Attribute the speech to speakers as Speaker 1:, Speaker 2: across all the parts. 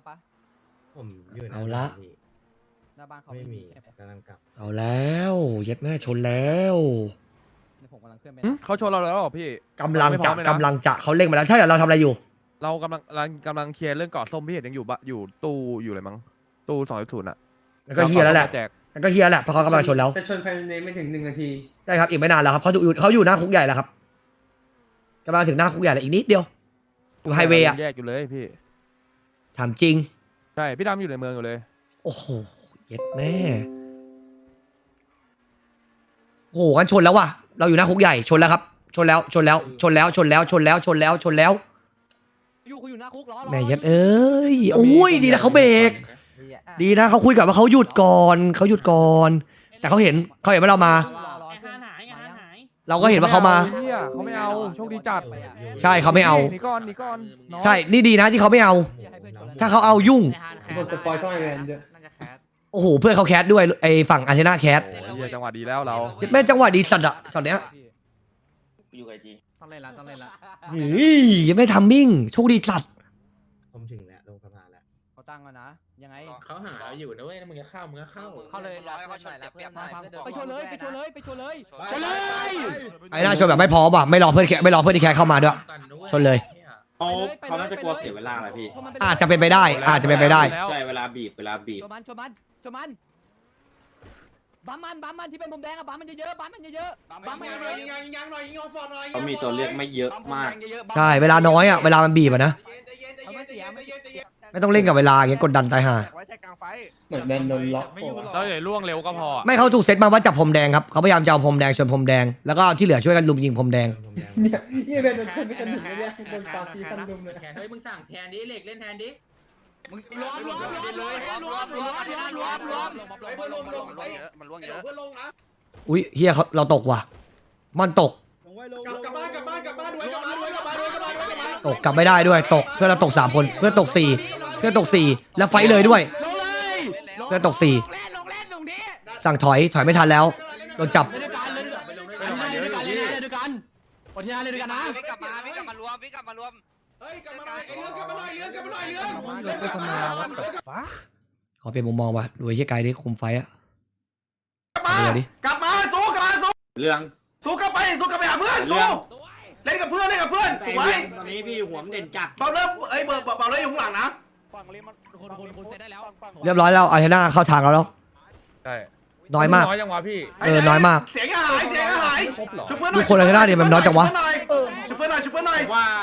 Speaker 1: ปะ
Speaker 2: ผมอยู่
Speaker 3: เอาละ
Speaker 1: หน้าบ้านเขา
Speaker 2: ไม่มี
Speaker 1: ใช่ไหม
Speaker 2: กำลังกลับ
Speaker 3: เอาแล้วเย็ดแม่ชนแล้ว
Speaker 1: เดี๋ยวผมกำลังเคลื่อนไป
Speaker 4: เขาชนเราแล้วเหรอพี่
Speaker 3: กำลัง
Speaker 4: ไม่พ
Speaker 3: จะ
Speaker 4: ร้อมเลยนะ
Speaker 3: กำลังจะเขาเร่งมาแล้วใช่เหรอเราทำอะไรอยู่
Speaker 4: เรากำลังเคลียร์เรื่องเกาะส้มพี่เห็นยังอยู่ตู้อยู่เลยมั้งตู้2.0อ่ะ
Speaker 3: แล้วก็เฮียแล้วแหละ
Speaker 4: แจก
Speaker 3: แล้วก็เฮียแหละเพราะเขากำลังชนแล้ว
Speaker 5: จะชนภายในไม่ถึง1 นาที
Speaker 3: ใช่ครับอีกไม่นานแล้วครับเขาอยู่หน้าคุกใหญ่แล้วครับกำลังถึงหน้าคุกใหญ่แล้วอีกนิดเดียวอยู่ไฮเวย์อะ
Speaker 4: แยกอยู่เลยพี่
Speaker 3: ถามจริง
Speaker 4: ใช่พี่ดำอยู่ในเมืองอยู่เลย
Speaker 3: โอ้โหเย็ดแม่โอ้โหกันชนแล้วว่ะเราอยู่หน้าคุกใหญ่ชนแล้วครับชนแล้ว
Speaker 1: อยู่หน้าคุกล้อ
Speaker 3: แม่เย็ดเอ้ยโอ้ยดีนะเขาเบรกดีนะเขาคุยกับว่าเขาหยุดก่อนแต่เขาเห็นว่าเรามา เราก็เห็นว่าเขามา
Speaker 4: เฮียเขาไม่เอาโชคดีจัด
Speaker 3: ใช่เขาไม่เอา
Speaker 4: หนีก่อนน้อง
Speaker 3: ใช่นี่ดีนะที่เขาไม่เอา ถ้าเขาเอายุ่ง
Speaker 5: บทสปอยช่องไอแลนด์เยอะ
Speaker 3: โอ้โหเพื่อนเขาแคสด้วยไอ้ฝั่งอาร์เซน่าแคส
Speaker 4: โอ้ยเฮียจังหวะดีแล้วเรา
Speaker 3: แม่จังหวะดีสัตว์อะช็อตเนี้ย
Speaker 6: อยู่ไอจี
Speaker 1: ต้องเล่นละ
Speaker 3: เฮ้ยยังไม่ทำมิ่งโชคดีสัตว์
Speaker 2: ผมถึงแล้วลงสะพานแล้ว
Speaker 1: เขาตั้งแล้วนะยังไง
Speaker 5: เขาหาอยู่นะเว้ยมึงจะเข้า
Speaker 1: เข้าเลย
Speaker 6: รอให้เขาชนเสียเปรียบหน่อย
Speaker 1: ไปชนเลย
Speaker 6: ชนเลย
Speaker 3: ไอ้น่าชนแบบไม่พร้อมว่ะไม่รอเพื่อนที่แคสเข้ามาด้วย ชนเลย
Speaker 7: เขาน่าจะกลัวเสียเวลาแหละพี่
Speaker 3: อาจจะเป็นไปได้
Speaker 7: ใช่เวลาบีบ
Speaker 1: ชนมันบัมมันที่เป็นผมแดงอะบัมมันเยอะๆบัมมันเยอะ
Speaker 7: เขามีตัวเลือกไม่เยอะมาก
Speaker 3: ใช่เวลาน้อยอะเวลามันบีบอะนะไม่ต้องเล่นกับเวลาอย่างเงี้ยกดดันตายห่า
Speaker 5: เหมือนแบนโดนล็อก
Speaker 4: เราอย่าล่วงเร็วก็พอ
Speaker 3: ไม่เขาถูกเซตมาว่าจับพรมแดงครับเขาพยายามจะเอาพรมแดงชนพรมแดงแล้วก็ที่เหลือช่วยกันลุมยิงพรมแดง
Speaker 2: ผมแดง
Speaker 5: เนี่ยยี่แบนโดนชนไม่กันถึงเลยเนี่ยโดนฟาซีคันดุมเลย
Speaker 6: เฮ้ยมึงสั่งแทนดิเหล็กเล่นแทนดิมึงรวมมันล่วงเยอะ
Speaker 3: อุ้ยเฮียเราตกว่ะมันตก
Speaker 6: กลับบ้านด้วย
Speaker 3: ตกกลับไม่ได้ด้วยตกเพื่อนเราตก3คนเพื่อนตก4แล้วไฟเลยด้วยเพื่อนตก4สั่งถอยไม่ทันแล้วโดนจับ
Speaker 6: วิ่งกลับมารวมเฮ้ยกลับมาเรื่อง
Speaker 3: ขอเปลี่ยนมุมมองว่ะดูไอ้เฮียไกลดิคุมไฟอะเดี๋ยวดิ
Speaker 7: กลับมาสู้เรื่องสู้กลับไปหาเพื่อนสู้เล่นกับเพื่อนสวยตอนนี้พี่หัวมันเด่นจัดเบาเริ่มเบาเลยอยู่ข้างหลังนะ
Speaker 3: เรียบร้อยแล้วอาร์เทน่าเข้าทางเราแล้ว
Speaker 4: ใช่
Speaker 3: น้อยมาก
Speaker 4: น้อยจังวะพี่
Speaker 3: น้อยมาก
Speaker 7: เสียงหายชุบเพื่อนหน่
Speaker 3: ทุ
Speaker 7: อย
Speaker 3: กคนอาร์เทน่าเนี่ยมันน้อยจังวะ
Speaker 7: ชุบเพื่อนหน่อยชุบเพื่อนหน่อย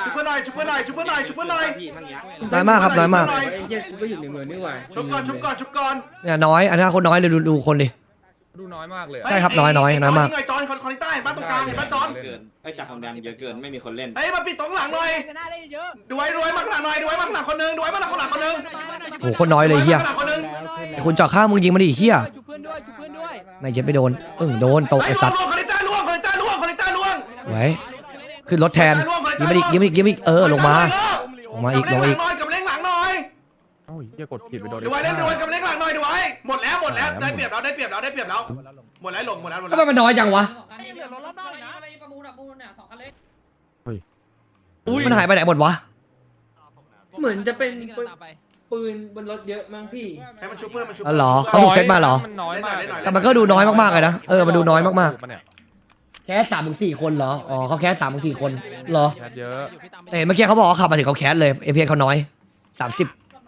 Speaker 3: น้อยมากครับน้อยมาก
Speaker 5: ไอ้เหี้ยกูก็อยู่ในเมืองนี่หว่า
Speaker 7: ชุบก่อน
Speaker 3: เนี่ยน้อยอาร์เทน่าคนน้อยเลยดูคนดิ
Speaker 4: ดูน้อยมากเลย
Speaker 3: ใช่ครับน้อยมาก
Speaker 7: จอนคนใต้บ้านตรงกลางเห็นป่ะจอน
Speaker 8: เกินไอ้จับทองแดงเยอะเกินไม่มีคนเล่น
Speaker 7: เฮ้ยมาปิดตรงหลังหน่อย
Speaker 1: หน้าเล่นเยอะ
Speaker 7: ดูไว้มาข้างหลังหน่อยดูไว้มาข้างหลังคนนึง
Speaker 3: โอ้โหคนน้อยเลยเฮีย
Speaker 7: ข้างหลังคนนึง
Speaker 3: ไอ้คุณจอดข้างมึงยิงมาดิเฮีย
Speaker 1: ชุบเพื่อนด้วย
Speaker 3: ไม่เจ็บไม่โดนโดนตกไอ้สัตว์
Speaker 7: คนใต้ล่วง
Speaker 3: ไว้ขึ้นรถแทนยิงมาอีกลงมาอีก
Speaker 7: กับเล้งหลังหน่อย
Speaker 4: โอ้ยเฮียกดผิดไปโดน
Speaker 7: ดูไว้กับเล้งหลังหน่อยดูไว้หมดแล้วได้เปรียบแล้วหมดแล้วหมดแล้ว
Speaker 3: ทำไมมันน้อยจังวะมันหายไปไหนหมดวะ
Speaker 5: เหมือนจะเป็นปืนบนรถเยอะมั้งพี่
Speaker 7: ให้มันชุบเพื่อน
Speaker 3: อ๋อเหรอเขาถูกเซตมาเหรอ
Speaker 4: มันน้อยมาก
Speaker 3: แต่มันก็ดูน้อยมากๆเลยนะมันดูน้อยมากๆแคส3-4 คนเหรออ๋อเขาแคส3-4 คนเหรอ
Speaker 4: แคสเยอะ
Speaker 3: แต่เห็นเมื่อกี้เขาบอกว่าขับมาถึงเขาแคสเลยเอพีเขาน้อย30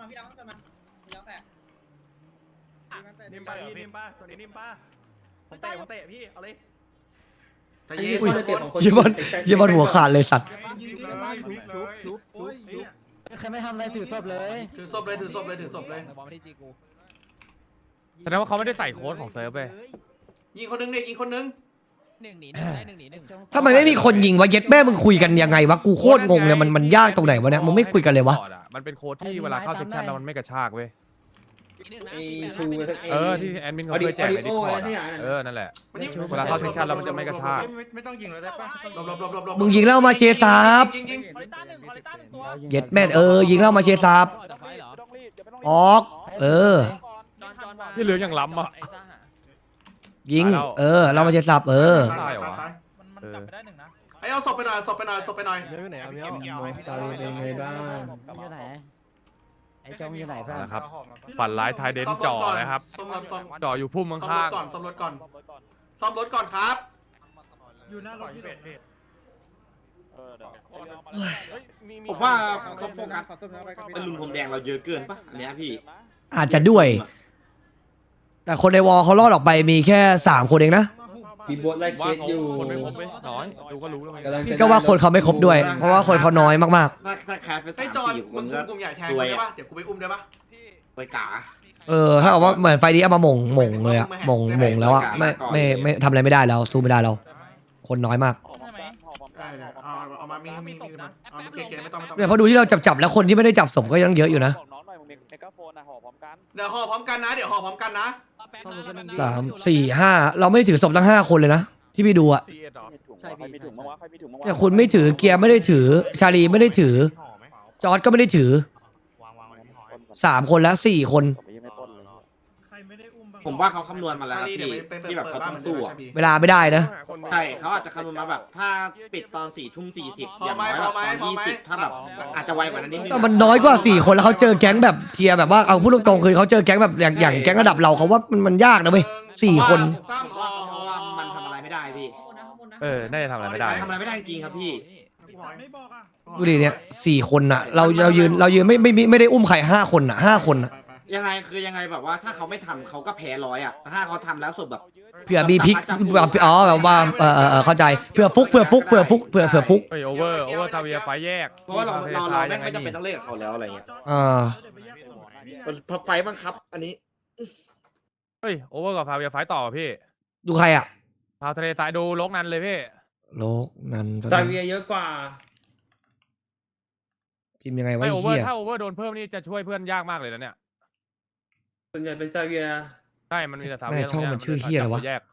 Speaker 8: นิ่มป้าตัวนี้นิ่มป้าผมเตะพี่เอาเลย
Speaker 3: อุ้ยเยี่ยบอลหัวขาดเลยสัตว์
Speaker 1: ใครไม่ทำอะไรถือศพเลย
Speaker 7: ถือศพเลย
Speaker 1: บอลไม่ได้จีกู
Speaker 4: แสดงว่าเขาไม่ได้ใส่โค้ดของเซิร์ฟไป
Speaker 7: ยิงคนนึง
Speaker 1: 1 หนี 1ได้1 หนี 1
Speaker 3: ทำไมไม่มีคนยิงวะเย็ดแม่มึงคุยกันยังไงวะกูโคตรงงเนี่ยมันยากตรงไหนวะเนี่ยมึงไม่คุยกันเลยวะ
Speaker 4: มันเป็นโค้ดที่เวลาเข้าเซ็กชันแล้วมันไม่กระชากเว้ย
Speaker 5: ไอ้ชู
Speaker 4: ที่แอดมินเขาเคยแจกในดิสคอร์ดนั่นแหละเวลาเข้าเซ็กชันแล้วมันจะไม่กระชาก
Speaker 8: ไม่ต้องยิงเลยได้ป่ะ
Speaker 3: มึงยิงแล้วมาเชซับ
Speaker 7: ยิง
Speaker 3: เย็ดแม่ยิงแล้วมาเชซับออก
Speaker 4: ที่เหลืออย่างล้ำอ่ะ
Speaker 3: ยิงเรามาเชซับ
Speaker 4: ตายเหรอวะ
Speaker 8: มันกลับไปได้หนึ่งนะ
Speaker 7: ไอ้เอาศพไปหน่อย
Speaker 5: ตาเป็นไงบ้าง
Speaker 1: อยู่ไหนไอ้จงอยู่ไหนเพื่อน
Speaker 4: นะครับ ฝันร้ายไทยเดนจ่อนะครับ
Speaker 7: ซ่อมรถซ่อม
Speaker 4: จ่ออยู่พุ่ม
Speaker 7: ซ่อมร
Speaker 4: ข้า
Speaker 7: ถ
Speaker 4: ง
Speaker 7: ก่อนซ่อมรถก่อนซ่อมรถก่อนครับ
Speaker 8: อยู่หน้ารถพี่
Speaker 9: ผมว่าเขาโฟกัสเป็นลุนพรมแดงเราเยอะเกินปะอันเนี้ยพี่
Speaker 3: อาจจะด้วย แต่คนในวอลเขารอดออกไปมีแค่3 คนเองนะ
Speaker 5: พี่โบ๊ทไล่
Speaker 4: ๆ
Speaker 5: เค
Speaker 4: ว่า
Speaker 5: ส
Speaker 4: เขา
Speaker 5: อยู่
Speaker 4: คนไม่ครบไหมน้อยดูก็รู้แล้วไง
Speaker 5: กำลังจะ
Speaker 3: พี่ก็ว่าคนเขาไม่ครบด้วย เพราะว่าคนเขาน้อยมาก
Speaker 9: ถ้าแคสไป
Speaker 7: ไอ้
Speaker 9: สาม
Speaker 7: จอน
Speaker 9: สี่ค
Speaker 7: มึ
Speaker 9: น
Speaker 7: งคุ
Speaker 9: ก็
Speaker 7: มกลุ่มใหญ่แทน
Speaker 9: ซ
Speaker 7: กู
Speaker 9: วย
Speaker 7: ได้
Speaker 9: อะ
Speaker 7: ปะเดี๋ยวกูไปอุ้มได้ปะ
Speaker 9: ไปกา
Speaker 3: ๆ ถ้าเอาว่าเหมือนไฟนี้เอามาหม่งเลยอะหม่งแล้วอะไม่ทำอะไรไม่ได้แล้วสู้ไม่ได้แล้วคนน้อยมาก
Speaker 7: ได้เลยเอามามีเอาเก๋ๆไม่ต้อง
Speaker 3: เนี่ยเพราะดูที่เราจับแล้วคนที่ไม่ได้จับศพก็ยังเยอะอยู่นะ
Speaker 7: เดี๋ยวห่อพร้อมกันนะเดี๋ยวห่อพร้อมกันนะ
Speaker 3: 3 4 5เราไม่ได้ถือศพทั้ง5 คนเลยนะที่พี่ดูอะ
Speaker 1: ใช่พี่มีถุงมั้งวะ
Speaker 3: เนี่ยคุณไม่ถือเกียร์ไม่ได้ถือชาลีไม่ได้ถือ จอร์ดก็ไม่ได้ถือ3 คนแล้ว4 คน
Speaker 8: ใครไม่ได้อุ้มบ้าง
Speaker 9: ผมว่าเขาคำนวณมาแล้ว
Speaker 7: ชา
Speaker 9: นะ
Speaker 7: ลีเดี๋ยว
Speaker 9: พี่
Speaker 7: ไป
Speaker 9: ที่แบบเขาต้องสู้อะ
Speaker 3: เวลาไม่ได้นะ
Speaker 9: ใช่เขาอาจจะคำนวณมาแบบ ถ้าปิดตอน4:40อย่างน้อยแบบตอน20ถ้าแบบอาจจะไวกว่านั้นนิดนึง
Speaker 3: แต่มันน้อยกว่า4 คนแล้วเขาเจอแก๊งแบบเทียร์แบบว่าเอาพูดตรงๆคือเขาเจอแก๊งแบบอย่างแก๊งระดับเราเขาว่ามันยากนะเว้ย4 คน
Speaker 9: เพราะว่ามันทำอะไรไม่ได้พี่
Speaker 4: น่าจะทำอะไรไม่ได้
Speaker 9: ทำอะไรไม่ได้จริงครับพี่
Speaker 8: ไม่บอกอ่ะ
Speaker 3: ดูดิเนี่ย4 คนน่ะเรายืนไม่ได้อุ้มใคร5 คนน่ะ5 คนน่ะ
Speaker 9: ยังไงคือยังไงแบบว่าถ้าเขาไม่ทำเขาก็แพ้100อะถ้าเขาทำแล้วสุดแบบ
Speaker 3: เผื่อมีพลิกอ๋อแบบว่าเข้าใจเผื่อฟุก
Speaker 4: เฮ้ยโอเวอร์ทาเวียไฟแยก
Speaker 9: เพราะว่าเราไม่จำเป็นต้องเล่นกับเขาแล้วอะไรเงี้ย พอไฟบังคับ อันนี้
Speaker 4: เฮ้ยโอเวอร์กับทาเวียไฟต่อพี่
Speaker 3: ดูใครอ่ะ
Speaker 4: พาทะเลทรายดูลกนั้นเลยพี่
Speaker 3: โลกนั้น
Speaker 5: ซาเวียเยอะกว่า
Speaker 3: พิมพ์ยังไงวะ
Speaker 4: ไม่โอเวอ
Speaker 3: เฮี
Speaker 4: ร์
Speaker 3: ย
Speaker 4: ถ้าโอเวอร์โดนเพิ่มนี่จะช่วยเพื่อนยากมากเลยนะเนี่ย
Speaker 5: ส่วนใหญ่เป็นซาเวีย
Speaker 4: ใช่มันมีแต่ทา
Speaker 3: แม่
Speaker 4: เวีย
Speaker 3: ช่องมันชื่อเฮียอะไรวะ
Speaker 4: แยก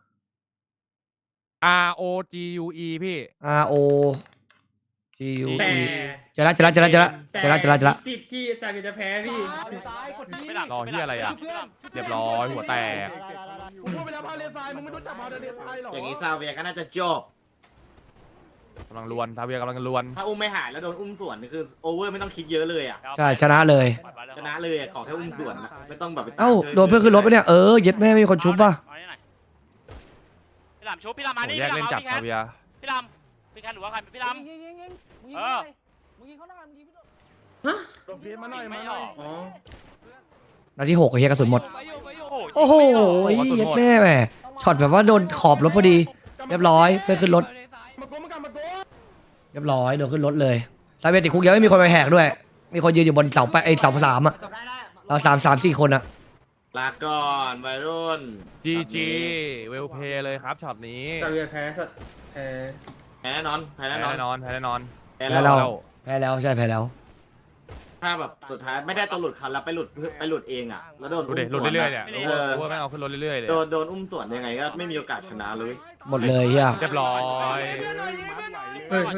Speaker 4: R O G U E พี่
Speaker 3: R O G U
Speaker 5: แต่
Speaker 3: E เจอละ
Speaker 5: สิบที่ซาเวียจะแพ้พี่
Speaker 4: รอเฮียอะไรอ่ะเรียบร้อยหัวแตก
Speaker 8: พูดไปแล้วพาเลทรายมึงไม่รู้จักพาเลทรายหรอ
Speaker 9: อย่างนี้ซาเวียก็น่าจะจบ
Speaker 4: กำลังลวนทาเวียกำลังลวน
Speaker 9: ถ้าอุ้มไม่หายแล้วโดนอุ้มสวนนี่คือโอเวอร์ไม่ต้องคิดเยอะเลยอ่ะ
Speaker 3: ใช่ชนะเลย
Speaker 9: ชนะเลยอะขอแค่อุ้มสวนอะไม่ต้องแบบไปตาม
Speaker 3: เอ้าโดนเพื่อนขึ้นรถไปเนี่ยเย็ดแม่ไม่มีคนชุบป่ะ
Speaker 6: พี่ลำชุบพี่ลำมา
Speaker 4: โอ้
Speaker 6: นี่
Speaker 4: แยก
Speaker 6: พี่
Speaker 4: เล่น
Speaker 6: ลำ
Speaker 4: จับ
Speaker 6: เอาพี่แค
Speaker 4: ทา
Speaker 6: ท
Speaker 4: เวีย
Speaker 6: พี่ลำพี่แคทหรือว่าใครพี่ลำ
Speaker 1: มึงยิงเขาหน้ามึงยิงพี่โดน
Speaker 8: ลงพีมาหน่อย
Speaker 6: ไม่
Speaker 8: มาห
Speaker 6: อ
Speaker 8: น่อ
Speaker 6: อย ก
Speaker 5: อ๋อ
Speaker 3: นาที6เฮียกระสุนหมด
Speaker 6: โอ้
Speaker 3: โอ้โหเย็ดแม่แหมช็อตแบบว่าโดนขอบรถพอดี เรียบร้อยเพื่อนขึ้นรถ
Speaker 8: มาโกมากันมาโก
Speaker 3: เรียบร้อยโดนขึ้นรถเลยซาเวียติดคุกยังไม่มีคนไปแหกด้วย มีคนยืนอยู่บนเสาเสา3อ่ะเรา3-4 คนอ่ะ
Speaker 9: ลาก่อนวัยรุ่น
Speaker 4: GG เวลเพย์เลยครับช็อตนี้
Speaker 5: ซาเวียแพ้แพ้
Speaker 9: แพ้แน่นอนแพ้
Speaker 4: แพ้
Speaker 9: แน่นอน
Speaker 4: แน่นอนแพ้แน่นอน
Speaker 9: แพ้
Speaker 3: แพ้
Speaker 9: แล้ว
Speaker 3: เรา แพ้แล้วใช่แพ้แล้ว
Speaker 9: ถ้าแบบสุดท้ายไม่ได้ตัวหลุดคันแล้วไปหลุดเองอ่ะแล้วโดน
Speaker 4: ดู
Speaker 9: อุ้
Speaker 4: ดิ
Speaker 9: ม
Speaker 4: ห
Speaker 9: ส
Speaker 4: ลุด
Speaker 9: วน
Speaker 4: เรื่อยๆ
Speaker 9: อะ
Speaker 4: เนี่ย
Speaker 9: เออ
Speaker 4: โอเวอร์แม่งเอาขึ้นรถเรื่อยๆเลย
Speaker 9: โดนอุ้มสวนยังไงก็ไม่มีโอกาสชนะเลย
Speaker 3: หมดเลยเฮีย
Speaker 4: เรียบร้อย
Speaker 5: เฮ้ย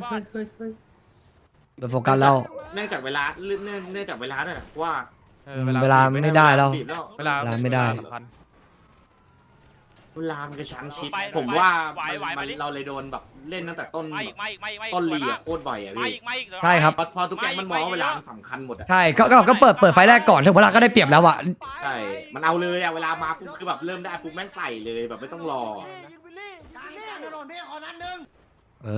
Speaker 3: โดนโฟกัสแล้ว
Speaker 9: เนื่องจากเวลาเนื่องจากเวลาด้วยนะว่า
Speaker 3: เวลาไม่ได้แล้ว
Speaker 9: บีบแล้ว
Speaker 4: เวลา
Speaker 3: เวลาไม่ได้
Speaker 4: สำคัญ
Speaker 9: เวลามันกระชั้นชิดผมว่าเราเลยโดนแบบเล่นตั้งแต่ต้น
Speaker 6: ไม่อีกไม่อีกไม่อีกไม่อีก
Speaker 9: ต้นลีอะโคตรบ่อยอะ
Speaker 6: ไม่
Speaker 9: พี่
Speaker 6: อีกไม่อีก
Speaker 3: ใช่ครับ
Speaker 9: พอทุกแกงมันมองว่าเวลามันสำคัญหมดอะ
Speaker 3: ใช่ก็เปิดไฟแรกก่อนถึงเวลาก็ได้เปรียบแล้วอ่ะ
Speaker 9: ใช่มันเอาเลยอะเวลามาปุ๊บคือแบบเริ่มได้ปุ๊บแม่งใส่เลยแบบไม่ต้องรอ
Speaker 3: เอ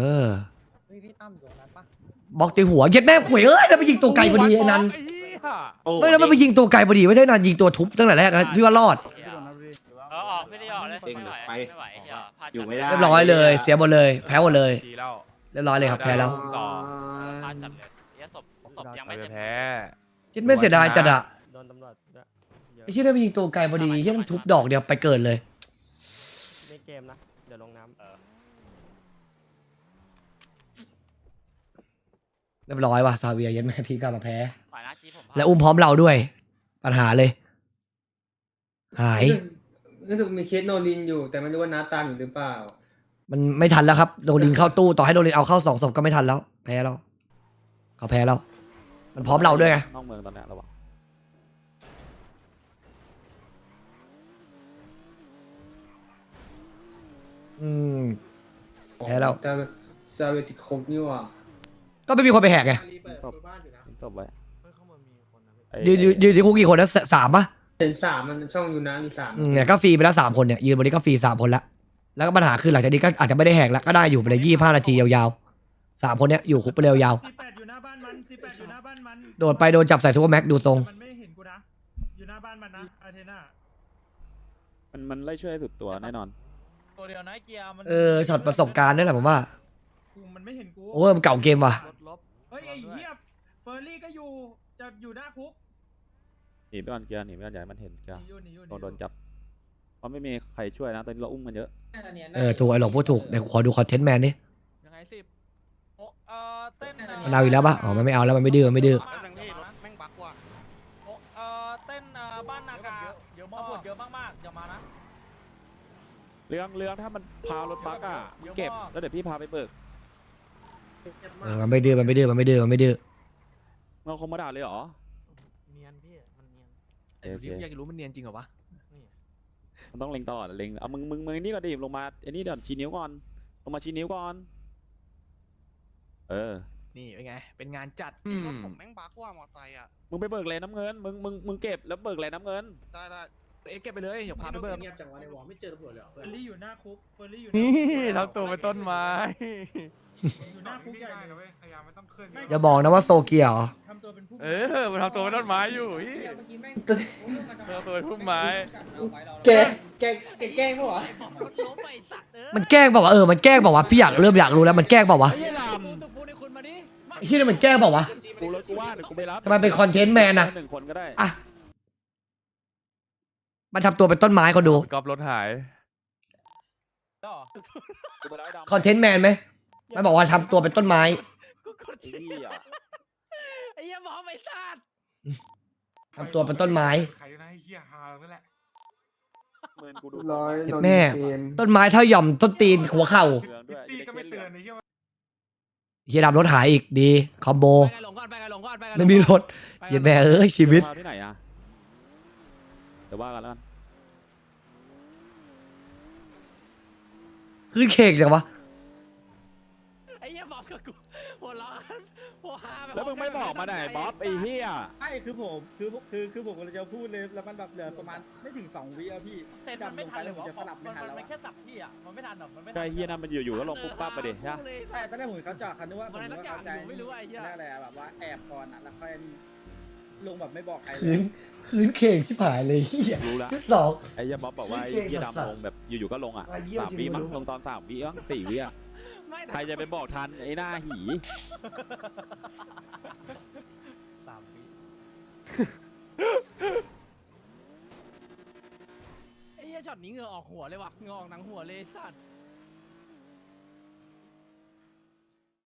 Speaker 3: อบล็อกตีหัวเย็ดแม่ขวยแล้วไปยิงตัวไกลพอดีไอ้นัน
Speaker 9: โอ้
Speaker 3: ไม่แล้วมันไปยิงตัวไกลพอดีไม่ใช่นันยิงตัวทุบตั้งแต่แรกนะพี่ว่ารอด
Speaker 6: ออกไม่ได้ออกเลยไม่ไหว
Speaker 9: อยู่ไม่ได้
Speaker 3: เรียบร้อยเลย เสียหมดเลยแพ้หมดเลย
Speaker 4: ดีแล้ว
Speaker 3: เรียบร้อยเลยครับแพ้แล้ว
Speaker 4: ต่อ
Speaker 6: พลาดจัดเลยเนี่ยศพยัง
Speaker 4: ไป
Speaker 6: ไม่เต็ม
Speaker 4: แพ้
Speaker 3: เย็ดไม่เสียดายจัดอะ
Speaker 10: โดนตำรวจด้วย
Speaker 3: ไอ้ที่ได้ไปยิงตัวไกลพอดีที่ต้องทุบดอกเดียวไปเกิดเลย
Speaker 10: ในเกมนะ เดี๋ยวลงน้ำ
Speaker 3: เรียบร้อยว่ะซาเวียเย็ดแม่พี่กลับมาแพ้
Speaker 6: ฝ่ายนะจีผม
Speaker 3: และอุ้มพร้อมเราด้วย ปัญหาเลย หาย
Speaker 5: รู้สึกมีเคสโนลินอยู่ แต่ไม่รู้ว่าน้าตามอยู่หรือเปล่า
Speaker 3: มันไม่ทันแล้วครับโดนลินเข้าตู้ต่อให้โดนลินเอาเข้า2 ศพก็ไม่ทันแล้ว แพ้แล้วเขาแพ้แล้ว มันพร้อมเราด้วยไง
Speaker 10: นอกเมืองตอนเนี้ยระวัง
Speaker 3: แพ้แล้ว
Speaker 5: แต่ซาเวียติดคุกนี่หว่า
Speaker 3: ก็ไม่มีคนไปแหกไง
Speaker 10: ทิ้งศพไว้
Speaker 3: ยืนที่คุกกี่คนนะ3ปะ
Speaker 5: เห็น3มันช่องอยู่นะมี3
Speaker 3: เนี่ยก็ฟรีไปแล้ว3 คนเนี่ยยืนวันนี้ก็ฟรี3 คนละแล้วก็ปัญหาคือหลังจากนี้ก็อาจจะไม่ได้แหกแล้วก็ได้อยู่ไปเลย25 นาทียาวๆ3 คนเนี้ยอยู่คุกไปเลยยาว
Speaker 8: 48อยู่หน้าบ้านมัน48อยู่หน้าบ้านมัน
Speaker 3: ๆโดดไปโดนจับใส่ซูเปอร์แม็กดูทรง
Speaker 8: มันไม่เห็นกูนะอยู่หน้าบ้านมันนะอาเทน่า
Speaker 10: มันไล่ช่วยสุดตัวแน่นอน
Speaker 8: ตัวเดียวนะเกียร์มัน
Speaker 3: ช็อตประสบการณ์นี่แหละผมว่า
Speaker 8: กูมันไม่เห็นกู
Speaker 3: โอเวอร์มันเก่าเกมว่ะ
Speaker 8: เฮ้ยไอ้เหี้ยเฟอร์รี่ก็อยู่จะอยู่หน้าคุก
Speaker 10: หนีไปก่อนเกียร์หนีไปก่อนอย่าให้มันเห็นเกียร์
Speaker 8: หนีอยู่
Speaker 10: โดนจับ เพราะไม่มีใครช่วยนะ ตอนนี้เราอุ้มกันเยอะ
Speaker 3: ถูกไอ้หลงพูดถูกเดี๋ยวขอดูคอนเทนต์แมนดิ
Speaker 1: ยังไง10
Speaker 8: เต้น
Speaker 3: มันเอาอีกแล้วปะอ๋อมันไม่เอาแล้วมันไม่ดื้อมันไม่ดื้อ
Speaker 6: แป๊บนึงพี่รถแม่งบักว่ะ
Speaker 8: เต้นบ้านนากาเยอะมากเยอะมากๆอย่ามานะ
Speaker 10: เรื่องถ้ามันพารถบักอ่ะเก็บ แล้วเดี๋ยวพี่พาไปเบิก
Speaker 3: มันไม่ดื้อมันไม่ดื้อมันไม่ดื้อมันไม่ดื้อ
Speaker 10: เราคงมาด่าเลยเหรอ
Speaker 6: เนียนพี่มันเนียน
Speaker 1: แต่ดูดิอยากรู้มันเนียนจริงเหรอวะ
Speaker 10: มันต้องเล็งตลอดเล็งเอามึงนี่ก่อนดิลงมาไอ้นี่เดี๋ยวชี้นิ้วก่อน ลงมาชี้นิ้วก่อน
Speaker 1: นี่เป็นไงเป็นงานจัด
Speaker 6: รถผมแม่งบักว่ะมอไซค์อ่ะ
Speaker 10: มึงไปเบิกเลยน้ำเงิน มึงเก็บแล้วเบิกเลยน้ำเงิน
Speaker 6: ได้
Speaker 1: เก็บไปเลยเดี๋ยวพาไปเบิร์
Speaker 2: เงียบจังวะในวอลไม่เจอตำรวจเลยเหรอ
Speaker 8: เฟอร์รี่อยู่หน้าคุกเฟอร์รี่อยู่
Speaker 4: นี่ทำตัวเป็นต้นไม้
Speaker 8: อยู่หน้าคุกใหญ่เลย
Speaker 2: พยายามไม่ต้องขึ้น
Speaker 3: อย่าบอกนะว่าโซเกียเหรอ
Speaker 8: ทำตัวเป็นผู้
Speaker 4: มันทำตัวเป็นต้นไม้อยู่ทำตัวเป็นพุ่มไม้
Speaker 5: แกแกล้งปะวะ
Speaker 3: มันแกล้งเปล่าวะมันแกล้งเปล่าวะพี่เริ่มอยากรู้แล้วมันแกล้งเปล่าวะ
Speaker 10: ไอ้ล
Speaker 1: พูดในคุณมาดิ
Speaker 3: ไอ้ที่นี่มันแกล้งเปล่าวะ
Speaker 10: ำกูรถกูว่าเดี๋ยวกูไปรับ
Speaker 3: ทำไมเป็นคอนเทนต์แมนอะ
Speaker 10: 1 คนก็ได้
Speaker 3: อ่ะมันทำตัวเป็นต้นไม้คนดู
Speaker 4: กอบรถหาย
Speaker 10: กูไปรับไอ้ดำ
Speaker 3: คอนเทนต์แมนไหมมันบอกว่าทำตัวเป็นต้นไม้
Speaker 1: กูกด
Speaker 10: ไอ้เหี้ย
Speaker 1: ไอ้เหี้ยหมอไม่ซาด
Speaker 3: ทำตัวเป็นต้นไม้
Speaker 2: ใครนะไอ้เหี้ยฮานั่นแหละ
Speaker 10: เมินกูดู
Speaker 3: แม่ต้นไม้เท่าหย่อมต้นตีนหัวเข่า
Speaker 10: เตือนด้วย
Speaker 2: ตีก็ไม่เตือนไอ้เหี้ย
Speaker 3: เฮียดำรถหายอีกดีคอมโบ
Speaker 1: ไปไงหลงก่อนไปไงหลงก่อนไปไง
Speaker 3: ไม่มีรถเหี้ยแม่เอ้ยชีวิต
Speaker 10: พาที่ไหนอ่ะเดี๋ยวว่ากันแล้วกัน
Speaker 3: ขึ้นเค้กจังวะ
Speaker 1: ไอ้เหี้ยบอกกับกูหัวร้อนหัวฮาแบบ
Speaker 10: แล้วมึงไม่บอกมาไหนบ๊อบไอ้เหี้ย
Speaker 8: ใช่คือผมผมกำลังจะพูดเลยแล้วมันแบบเหลือประมาณไม่ถึง2 วิอะพี่เต้นมันไม่ทันเลยผมจะสลับไม่ทันแล้วมันแค่สับที่อะมันไม่ทันหรอกมันไม่
Speaker 10: ก็ไอ้เหี้ยนั่นมันอยู่ๆก็ลงปุ๊บปั๊บไปดิใช่
Speaker 8: ใช่ตอนแรกผมเขาจอดคันนึกว่าผม
Speaker 1: มัน
Speaker 8: ก็
Speaker 1: อะไรสักอย่าง
Speaker 8: เข้าใจ
Speaker 1: อยู่ไม่รู้ไอ้เหี้ย
Speaker 8: นั่นแหละแบบว่าแอบก่อนอะแล้วค่อยลงแบบไม่บอกใคร
Speaker 3: คืนเค้กชิบหายเลยเฮีย
Speaker 10: รู้ละ
Speaker 3: ชุดสอง
Speaker 10: ไอ้เหี้ยบ๊อบบอกว่าไอ้เหี้ยดำลงแบบอยู่ๆก็ลงอ่ะ
Speaker 3: ไอ้เหี้ย
Speaker 10: 3 วิมั้ง
Speaker 3: จริงๆ
Speaker 10: ลงตอน3 วิมั้ง4 วิอ่ะ
Speaker 1: ไม่
Speaker 10: ใครจะไปบอกทันไอ้หน้าหี
Speaker 1: 3 ปีไอ้เหี้ยช็อตนี้เหงื่อออกหัวเลยว่ะเหงื่อออกหนังหัวเลยสัตว์